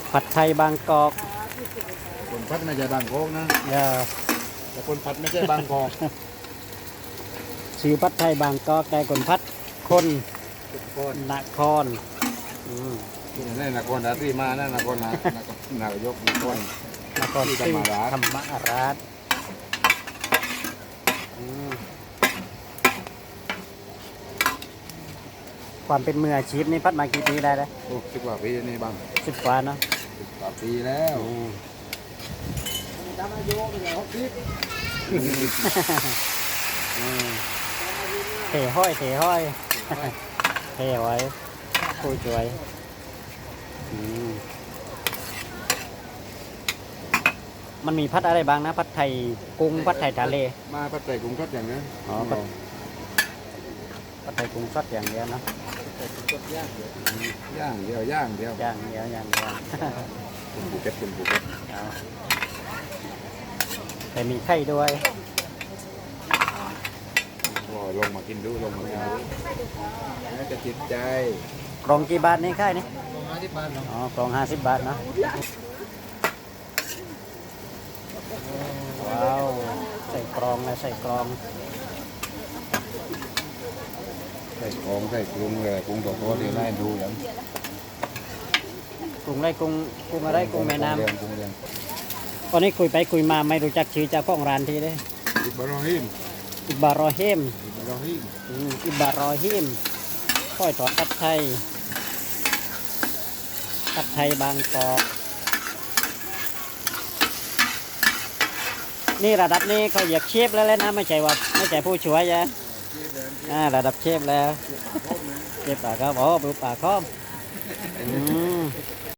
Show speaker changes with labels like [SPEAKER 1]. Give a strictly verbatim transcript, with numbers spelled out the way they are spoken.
[SPEAKER 1] ผัดไทยบางกอก
[SPEAKER 2] คนพัดไม่ใช่บางกอกนะ
[SPEAKER 1] เออ
[SPEAKER 2] แต่คนพัดไม่ใช่บางกอก
[SPEAKER 1] ชื่อผัดไทยบางกอกแต่คนพัดคนนครอืม
[SPEAKER 2] นี่นครราชสีมานะนครนะนายกนคร
[SPEAKER 1] นครศรีธรรมราชอืมความเป็นมืออาชีพนี่พัดมากี่ปีได้แล้ว
[SPEAKER 2] โอ้สิบกว่าปีนี่บาง
[SPEAKER 1] สิบกว่าเนาะ
[SPEAKER 2] สิบกว่าปีแล้วจำอายุเป็นอย่างหกสิบ
[SPEAKER 1] เทห้อยเทห้อยเทไว้คุยช่วยมันมีพัดอะไรบ้างนะพัดไทยกุ้งพัดไทยทะเล
[SPEAKER 2] มาพัดไทยกุ้งสดอย่างนี้
[SPEAKER 1] อ๋อพัดไทยกุ้งสดอย่างเดียวนะ
[SPEAKER 2] ย่างเดียวย่างเดียว
[SPEAKER 1] ย่างเดียวย่างเดียว
[SPEAKER 2] คุณภูเก็ตคุณภูเก็ต
[SPEAKER 1] แต่มีไข่ด้วย
[SPEAKER 2] ลงมากินดูลงมากินดูน่าจะจิตใจ
[SPEAKER 1] กล่องกี่บาทนี่ไข่นี่
[SPEAKER 2] กล่องห้าสิบบาทเนาะ
[SPEAKER 1] อ๋อกล่องห้าสิบบาทเนาะว้าวใส่กรองเลยใส่กรอง
[SPEAKER 2] ใส่กรองใส่กรุงเลยกรุงตัวโตที่ได้ดูอย่าง
[SPEAKER 1] กรุงไรกรุงกรุงอะไรกรุงแม่น้ำตอนนี้คุยไปคุยมาไม่รู้จักชื่อเจ้าของร้านทีเลย
[SPEAKER 2] อิบารอฮิม
[SPEAKER 1] อิบารอฮิม
[SPEAKER 2] อิบารอฮิม
[SPEAKER 1] อิบารอฮิมก้อยทอดผัดไทยผัดไทยบางกอกนี่ระดับนี้เขาอยากเชฟแล้วนะไม่ใช่ว่าไม่ใช่ผู้ช่วยนะอ่าระดับเชฟแล้วเชฟปากครับอ๋อปูปากคอมอืม